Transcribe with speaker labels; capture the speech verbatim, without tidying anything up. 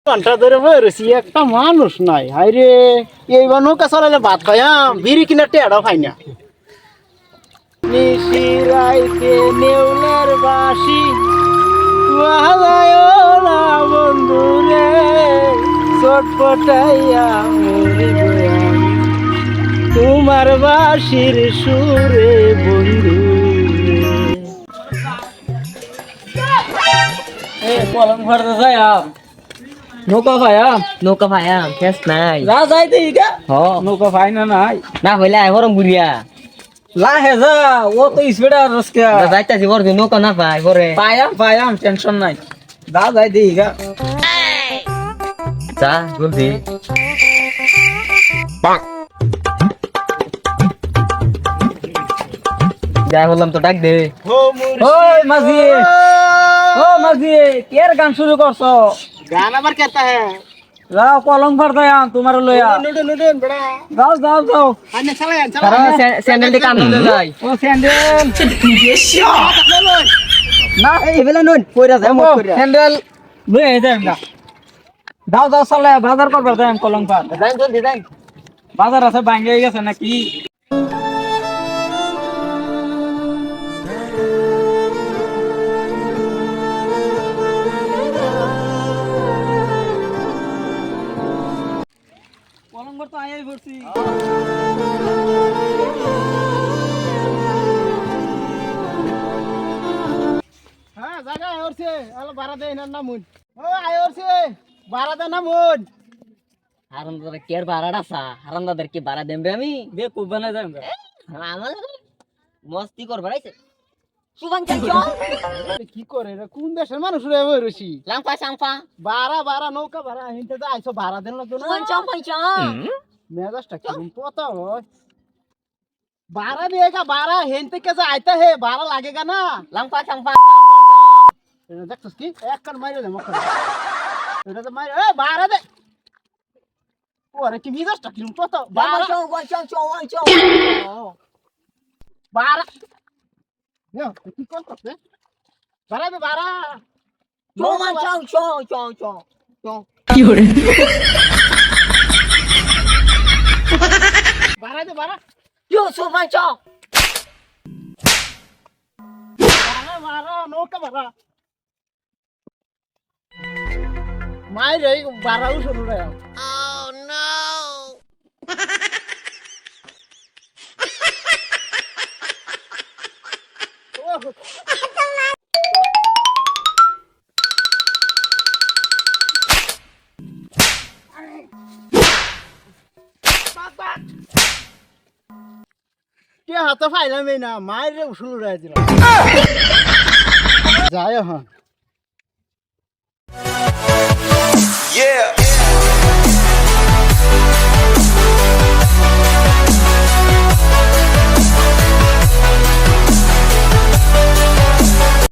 Speaker 1: ঘন্টা ধরে বসেছি একটা মানুষ নাই, হাইরে এইবার নৌকা চালালে ভাত খাইয়াম, বিড়ি কিনা টেড়াও খাই না। নিশিরাইতে নেউলের বাঁশি বাজায় না বন্ধু রে, চটপটাইয়া মরিব আমি তোমার বাঁশির সুরে বন্ধু রে।
Speaker 2: কলম ভরতে যাইয়াম নৌকা ভাইয়াম
Speaker 3: নৌকা ভাইয়াম কেস নাই
Speaker 2: যা যাইতে ইগা
Speaker 3: হ
Speaker 2: নৌকা ভাই না নাই
Speaker 3: না হইলে আই হরম বুড়িয়া
Speaker 2: লাহে যা ও তো স্পিড আর রসকে
Speaker 3: যাইতাছি বর নৌকা না পাই পরে
Speaker 2: পায়াম পায়াম টেনশন নাই যা যাইতে ইগা
Speaker 3: যা জলদি যাই বললাম তো ডাক দে
Speaker 2: ওই মাঝি ও মাঝি কের গান শুরু করছো
Speaker 1: গান আবার কেতা হ্যাঁ
Speaker 2: যাও কলম ভর যাইয়াম তোমার লইয়া
Speaker 1: নুডুন নুডুন বড়া
Speaker 2: যাও যাও যাও
Speaker 1: আনে চালায়
Speaker 3: কারণ
Speaker 1: চালায়
Speaker 3: স্যান্ডেল কাম দিতে যাই
Speaker 2: ও স্যান্ডেল
Speaker 3: না এই বেলা নই কইরা যায় মত কইরা
Speaker 2: স্যান্ডেল লই আই যাইম না দাও দাও চলে বাজার করবার যাইম কলম ভর
Speaker 3: যাই জলদি যাই
Speaker 2: বাজার আছে ভাঙ্গে গেছে নাকি কলম ভর তো আইই পড়ছি
Speaker 1: হ্যাঁ জায়গা আইরছে আলো বাড়া দে না নামুন ও আইরছে বাড়া দে নামুন
Speaker 3: হারামদাদা কের বাড়াটা সা হারামদাদার কি বাড়া দেম রে আমি
Speaker 2: দে খুব বানাই যাইম
Speaker 3: আমার মস্তি কর বাড়াইছে সুবান চল
Speaker 1: কি করে রে কোন দেশের মানুষ রে বইরছি
Speaker 3: লাংপা সাংপা
Speaker 1: বাড়া বাড়া নৌকা বাড়া হিনতে যা আইছো বাড়া দেন না তো না
Speaker 3: সুবান চল পয়সা
Speaker 1: মেজাজটা কি পতা হয় বাড়া দেगा বাড়া হেনতে কে যা আইতা হে বাড়া লাগেगा না
Speaker 3: লাংপা সাংপা
Speaker 1: এটা দেখছস কি এক কান মাইরে দে মক্কা এটা তো মাইরে এ বাড়া দে ওরে কি মেজাজটা কি পতা বাড়া
Speaker 3: চল চল চল চল
Speaker 1: বাড়া yo কি করছস রে বাড়া দে বাড়া
Speaker 3: চল চল চল চল চল চল
Speaker 1: কি হরে বাড়া দে বাড়া
Speaker 3: yo সুবান চল
Speaker 1: বাড়া বাড়া নৌকা বাড়া মাইরে বাড়াও শুরু রে oh no কে হাতে ফাইলাম এই না মায়ের উসুল উড়াই দিল যায় হ্যাঁ
Speaker 4: Yeah.